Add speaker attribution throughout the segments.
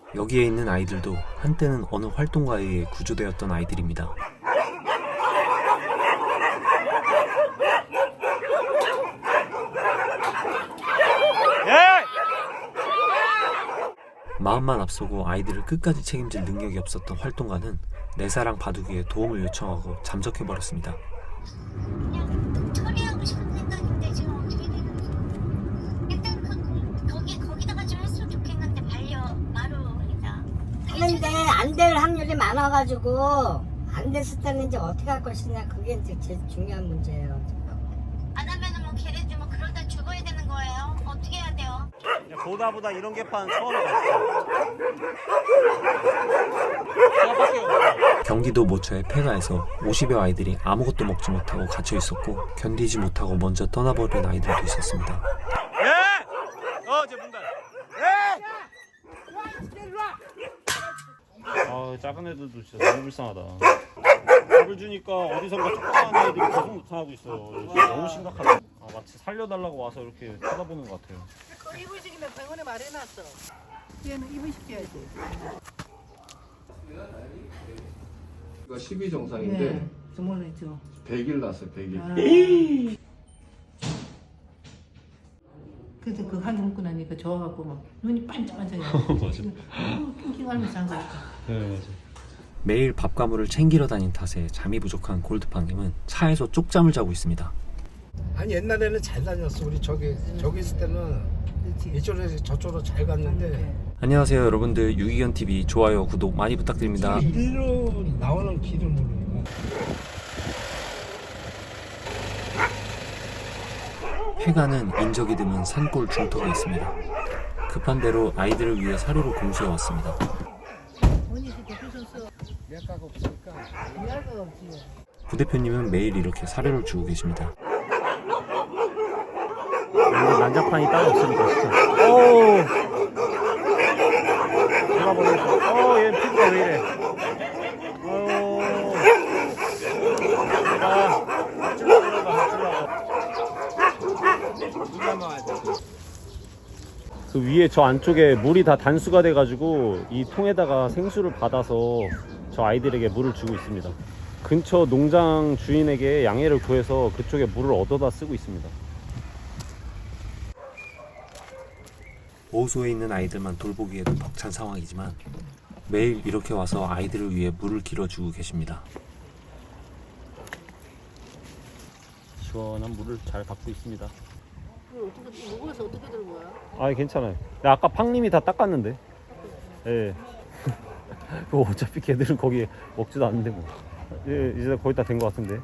Speaker 1: 여기에 있는 아이들도 한때는 어느 활동가에 의해 구조되었던 아이들입니다. 마음만 앞서고 아이들을 끝까지 책임질 능력이 없었던 활동가는 내사랑 바둑이에 도움을 요청하고 잠적해버렸습니다.
Speaker 2: 그냥 처리하고 싶은 생각인데 지금 어떻게 되는 거죠? 일단 거기다가 좀 했으면 좋겠는데 마루이다.
Speaker 3: 하는데 안 될 확률이 많아가지고 안 됐을 때는 이제 어떻게 할 것이냐, 그게 이제 제일 중요한 문제예요.
Speaker 2: 안 하면은 뭐 걔네들 뭐 그러다 죽어야 되는 거예요. 어떻게 해야 돼요?
Speaker 4: 보다 이런 개판 처음에 봤어.
Speaker 1: 경기도 모처의 폐가에서 50여 아이들이 아무것도 먹지 못하고 갇혀 있었고 견디지 못하고 먼저 떠나버린 아이들도 있었습니다.
Speaker 4: 제 문다. 작은 애들도 진짜 너무 불쌍하다. 밥을 주니까 어디선가 조그만 애들이 계속 나타나고 있어. 너무 심각하다. 마치 살려달라고 와서 이렇게 쳐다보는 것 같아요.
Speaker 5: 그 이불식이면 병원에 말해놨어. 얘는 이불시켜야지.
Speaker 6: 이거 12정상인데
Speaker 5: 주머니죠.
Speaker 6: 100일 났어요. 100일.
Speaker 5: 그래서 그 한개 먹고 나니까 좋아갖고 막 눈이 반짝반짝해.
Speaker 4: 맞아.
Speaker 5: 낑낑하면서 한 거야.
Speaker 4: 네, 맞아.
Speaker 1: 매일 밥가물을 챙기러 다닌 탓에 잠이 부족한 골드팡님은 차에서 쪽잠을 자고 있습니다.
Speaker 7: 아니 옛날에는 잘 다녔어. 우리 저기 있을 때는 이쪽에서 저쪽으로 잘 갔는데
Speaker 1: 안녕하세요 여러분들, 유기견TV 좋아요 구독 많이 부탁드립니다.
Speaker 7: 이리로 나오는 길을 모르고.
Speaker 1: 폐가는 인적이 드문 산골 중턱에 있습니다. 급한 대로 아이들을 위해 사료를 공수해 왔습니다.
Speaker 5: 언니 그때 부셨어.
Speaker 7: 미약가가 없으니까.
Speaker 5: 미안가 없지.
Speaker 1: 부대표님은 매일 이렇게 사료를 주고 계십니다.
Speaker 4: 난장판이 따로 없으니까 진짜. 어우. 돌아버리겠어. 얘 피부가 왜 이래. 밥 주려고. 그 위에 저 안쪽에 물이 다 단수가 돼가지고 이 통에다가 생수를 받아서 저 아이들에게 물을 주고 있습니다. 근처 농장 주인에게 양해를 구해서 그쪽에 물을 얻어다 쓰고 있습니다.
Speaker 1: 보호소에 있는 아이들만 돌보기에도 벅찬 상황이지만 매일 이렇게 와서 아이들을 위해 물을 길어주고 계십니다.
Speaker 4: 시원한 물을 잘 받고 있습니다.
Speaker 5: 어떻게 먹어서 어떻게 들고 와?
Speaker 4: 아, 괜찮아요. 아까 팡님이 다 닦았는데. 예. 뭐 어차피 걔들은 거기 먹지도 않는데 뭐. 예, 이제 거의 다 된 것 같은데.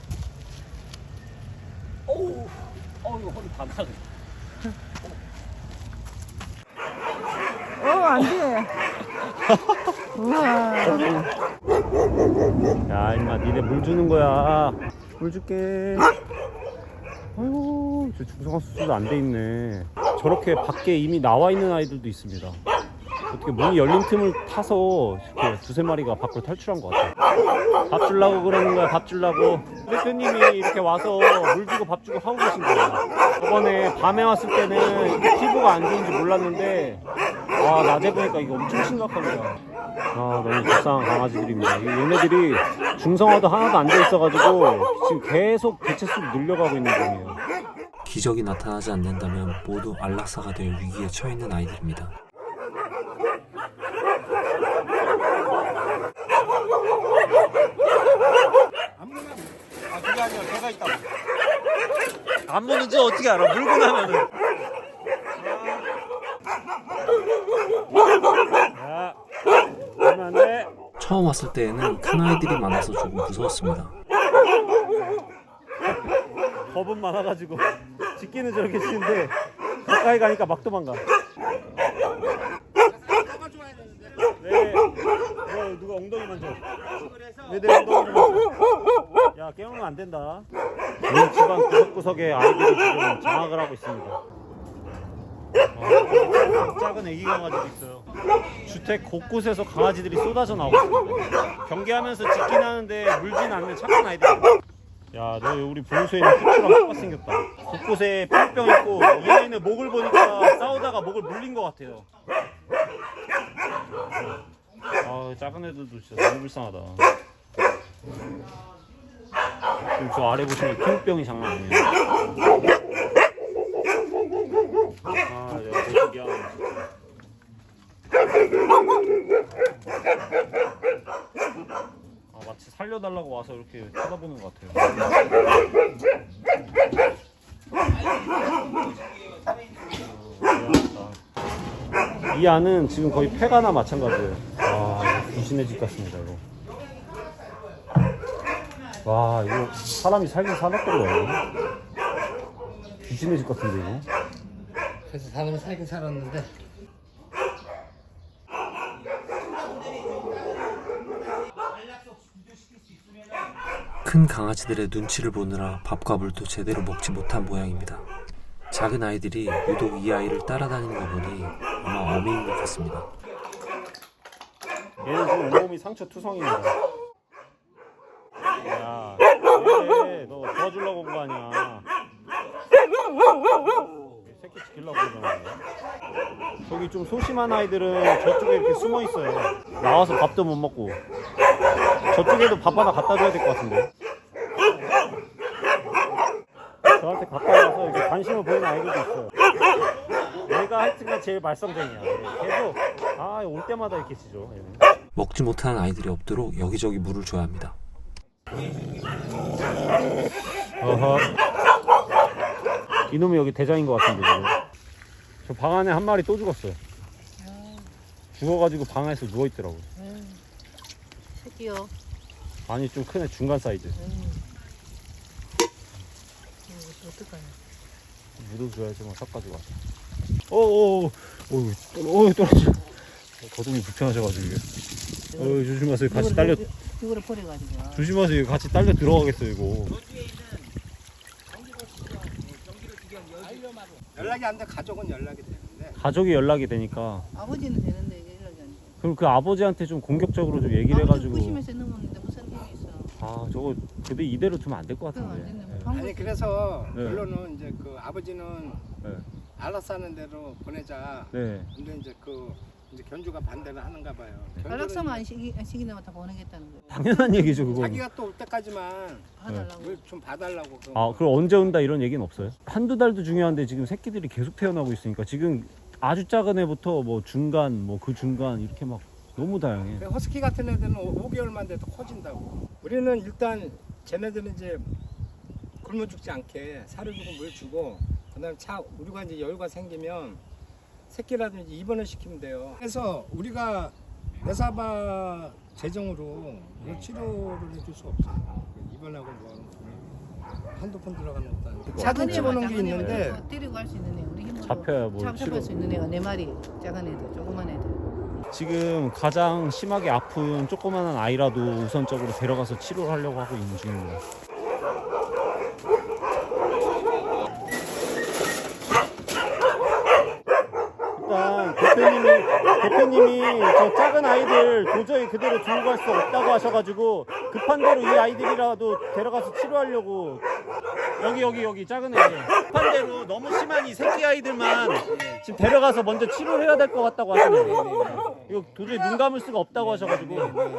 Speaker 4: 어우, 이거 허리 다 나가.
Speaker 5: 안 돼. 우와.
Speaker 4: 야, 임마, 니네 물 주는 거야. 물 줄게. 아이고, 저 중성화 수술도 안 돼 있네. 저렇게 밖에 이미 나와 있는 아이들도 있습니다. 어떻게 문이 열린 틈을 타서 이렇게 두세 마리가 밖으로 탈출한 것 같아요. 밥 주려고 그러는 거야, 밥 주려고. 대표님이 이렇게 와서 물 주고 밥 주고 하고 계신 거야. 저번에 밤에 왔을 때는 이렇게 피부가 안 좋은지 몰랐는데, 낮에 보니까 이거 엄청 심각합니다. 너무 불쌍한 강아지들입니다. 얘네들이 중성화도 하나도 안 돼 있어가지고 지금 계속 개체수를 늘려가고 있는 중이에요.
Speaker 1: 기적이 나타나지 않는다면 모두 안락사가 될 위기에 처해 있는 아이들입니다.
Speaker 7: 그게 아니라 배가 있다고.
Speaker 4: 안 보는지 어떻게 알아? 물고 나면은. 야, 그러면 안 돼.
Speaker 1: 처음 왔을 때에는 큰 아이들이 많아서 조금 무서웠습니다.
Speaker 4: 겁은 많아가지고 짖기는 저렇게 짖는데 가까이 가니까 막 도망가. 네. 누가 엉덩이 만져. 왜 내 엉덩이를 만져? 야, 깨우면 안 된다. 온 집안 구석구석에 아이들이 지금 장악을 하고 있습니다. 작은 애기 강아지도 있어요. 주택 곳곳에서 강아지들이 쏟아져 나오고 있어요. 경계하면서 짖긴 하는데 물진 않는 착한 아이들. 야, 너 우리 보호소에 있는 후추랑 똑같이 생겼다. 곳곳에 뿅뿅 있고 이 아이는 목을 보니까 싸우다가 목을 물린 것 같아요. 아 작은 애들도 진짜 너무 불쌍하다. 지금 저 아래 보시면 피부병이 장난 아니에요. 아 내가 되게 미안해 진짜. 아 마치 살려달라고 와서 이렇게 쳐다보는 것 같아요. 이 안은 지금 거의 폐가나 마찬가지예요. 와 귀신의 집 같습니다 이거. 와 이거 사람이 살긴 살았던거예요. 귀신의 집 같은데 이거.
Speaker 7: 그래서 사람이 살긴 살았는데
Speaker 1: 큰 강아지들의 눈치를 보느라 밥과 물도 제대로 먹지 못한 모양입니다. 작은 아이들이 유독 이 아이를 따라다니는 거 보니 아마 어미인 것 같습니다.
Speaker 4: 얘는 지금 온몸이 상처 투성입니다. 야, 왜? 너 도와주려고 온 거 아니야? 새끼 지키려고 그러잖아. 저기 좀 소심한 아이들은 저쪽에 이렇게 숨어 있어요. 나와서 밥도 못 먹고. 저쪽에도 밥 하나 갖다 줘야 될 것 같은데. 저한테 가까이 와서 이렇게 관심을 보이는 아이들도 있어요. 얘가 하여튼간 제일 말썽쟁이야. 계속 올 때마다 이렇게 짖어. 얘는.
Speaker 1: 먹지 못하는 아이들이 없도록 여기저기 물을 줘야 합니다.
Speaker 4: 어허. 이놈이 여기 대장인 것 같은데 지금. 저 방 안에 한 마리 또 죽었어요. 죽어가지고 방 안에서 누워있더라고.
Speaker 5: 새끼요.
Speaker 4: 아니 좀 큰 애 중간 사이즈.
Speaker 5: 어떡하냐.
Speaker 4: 묻어줘야지 뭐 섞어가지고 와서. 떨어져. 거동이 불편하셔가지고 이게. 조심하세요. 같이 딸려.
Speaker 5: 이거를 버려가지고.
Speaker 4: 조심하세요. 같이 딸려 들어가겠어요 이거.
Speaker 7: 연락이 안 돼. 가족은 연락이 되는데
Speaker 4: 가족이 연락이 되니까.
Speaker 5: 아버지는 되는데 이게 연락이 안 돼.
Speaker 4: 그럼 그 아버지한테 좀 공격적으로 좀 얘기를 해가지고.
Speaker 5: 부심에서 넘었는데 무슨 힘이 있어.
Speaker 4: 아 저거 근데 이대로 두면 안 될 것
Speaker 5: 그거 안
Speaker 4: 같은데.
Speaker 5: 됐네.
Speaker 4: 네.
Speaker 7: 아니 그래서
Speaker 4: 네.
Speaker 7: 결론은 이제 그 아버지는
Speaker 4: 네.
Speaker 7: 알아서 하는 대로 보내자.
Speaker 4: 네.
Speaker 7: 근데 이제 이제 견주가 반대를 하는가 봐요.
Speaker 5: 연락사만 안 시키면 다 보내겠다는 거야.
Speaker 4: 당연한 얘기죠 그거.
Speaker 7: 자기가 또 올 때까지만
Speaker 5: 봐달라고.
Speaker 7: 뭘 좀 봐달라고.
Speaker 4: 아 그럼 언제 온다 이런 얘기는 없어요? 한두 달도 중요한데 지금 새끼들이 계속 태어나고 있으니까 지금 아주 작은 애부터 뭐 중간 뭐 그 중간 이렇게 막 너무 다양해.
Speaker 7: 허스키 같은 애들은 5개월만 돼도 커진다고. 우리는 일단 쟤네들은 이제 굶어 죽지 않게 사료 주고 물 주고 그다음에 우리가 이제 여유가 생기면 새끼라든지 입원을 시키면 돼요. 그래서 우리가 내사바 재정으로 이걸 치료를 해줄 수 없어요. 입원하고 뭐 한두 푼 들어가는 것도 아니고. 작은 집어넣은 게 있는데
Speaker 5: 데리고 갈 수 있는 애 우리 힘으로
Speaker 4: 잡혀야 뭐
Speaker 5: 잡힐 수 있는 애가 4마리 작은 애들 조그만 애들.
Speaker 4: 지금 가장 심하게 아픈 조그마한 아이라도 우선적으로 데려가서 치료를 하려고 하고 있는 중입니다. 일단 대표님이 저 작은 아이들 도저히 그대로 두고 갈 수 없다고 하셔가지고 급한 대로 이 아이들이라도 데려가서 치료하려고. 여기 작은 애 급한 대로 너무 심한 이 새끼 아이들만 지금 데려가서 먼저 치료를 해야 될 것 같다고 하시네요. 이거 도저히 눈 감을 수가 없다고 하셔가지고.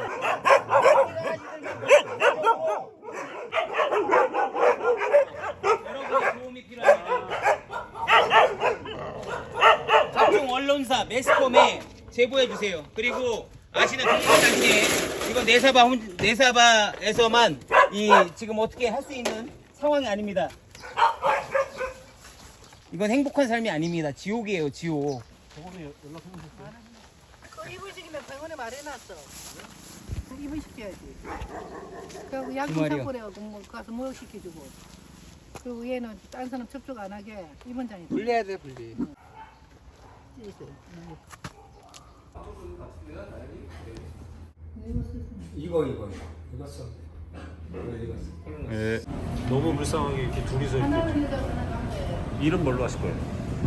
Speaker 8: 각종 언론사, 매스컴에 제보해 주세요. 그리고 아시는 동물단체 이건 내사바에서만 이 지금 어떻게 할 수 있는 상황이 아닙니다. 이건 행복한 삶이 아닙니다. 지옥이에요, 지옥.
Speaker 5: 그 이불시키면 병원에 말해놨어. 그 이불시켜야지. 그리고 약품 사고래하고 뭐 가서 목욕시켜주고. 그리고 얘는 딴 사람 접촉 안 하게 입원장에
Speaker 7: 분리해야 돼 분리. 이거 써.
Speaker 4: 네. 너무 불쌍하게 이렇게 둘이서 이렇게. 이름 뭘로 하실 거예요?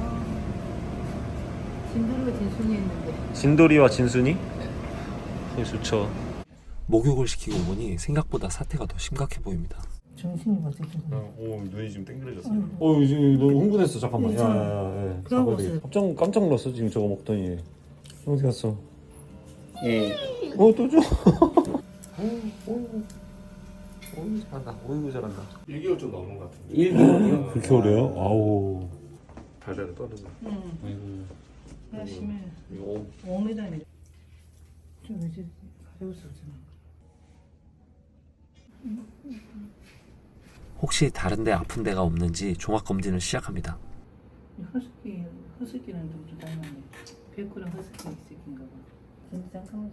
Speaker 5: 진도리가 진순이 있는데.
Speaker 4: 진돌이와 진순이? 네, 좋죠.
Speaker 1: 목욕을 시키고 보니 생각보다 사태가 더 심각해 보입니다.
Speaker 5: 정신이 어떻게
Speaker 4: 오 눈이 지금 땡그레졌어요. 지금 너무 흥분했어. 잠깐만. 야야야.
Speaker 5: 그런 거 없어요.
Speaker 4: 깜짝 놀랐어 지금 저거 먹더니. 어디 갔어?
Speaker 8: 예.
Speaker 4: 또 줘.
Speaker 1: 어이구 잘한다. 어이구 잘한다.
Speaker 6: 1개월 좀 넘은 것 같은데.
Speaker 8: 1개월이요?
Speaker 4: 그렇게 어려요? 아우.
Speaker 6: 달달이 떠는 거.
Speaker 5: 응. 열심히
Speaker 6: 이거
Speaker 5: 5m네. 좀 이제 가져올 수 없잖아.
Speaker 1: 혹시 다른데 아픈 데가 없는지 종합 검진을 시작합니다.
Speaker 5: 허스키는 좀 닮았네. 백구랑 허스키 새끼인가 봐. 잠깐만.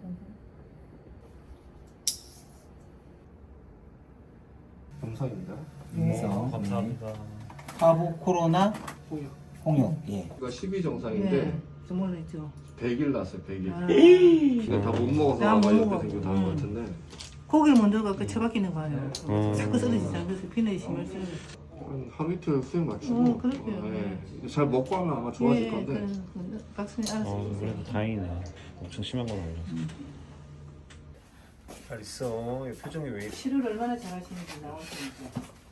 Speaker 6: 영상입니다.
Speaker 4: 감사합니다.
Speaker 8: 화보 코로나 홍역. 예.
Speaker 6: 이거 12정상인데
Speaker 5: 정말 있죠.
Speaker 6: 100일 났어요. 100일.
Speaker 5: 아.
Speaker 6: 그냥 다 못 먹어서
Speaker 5: 다
Speaker 6: 아마
Speaker 5: 못
Speaker 6: 이렇게
Speaker 5: 먹어.
Speaker 6: 생기고 다른 것 같은데
Speaker 5: 고기를 먼저 갖고 처박히는 거 아니에요. 자꾸 쓰러지잖아. 그래서 비늘이 심할 수
Speaker 6: 한 이틀 수행 맞추고
Speaker 5: 그럴게요.
Speaker 6: 예. 잘 먹고 하면 아마 좋아질
Speaker 5: 예,
Speaker 6: 건데
Speaker 5: 박수님 알아서 해주세요.
Speaker 4: 그래도 다행이네. 엄청 심한 건 아니라서.
Speaker 1: 잘 있어. 표정이 왜 이래?
Speaker 5: 치료를 얼마나 잘하시는지 나오시니까.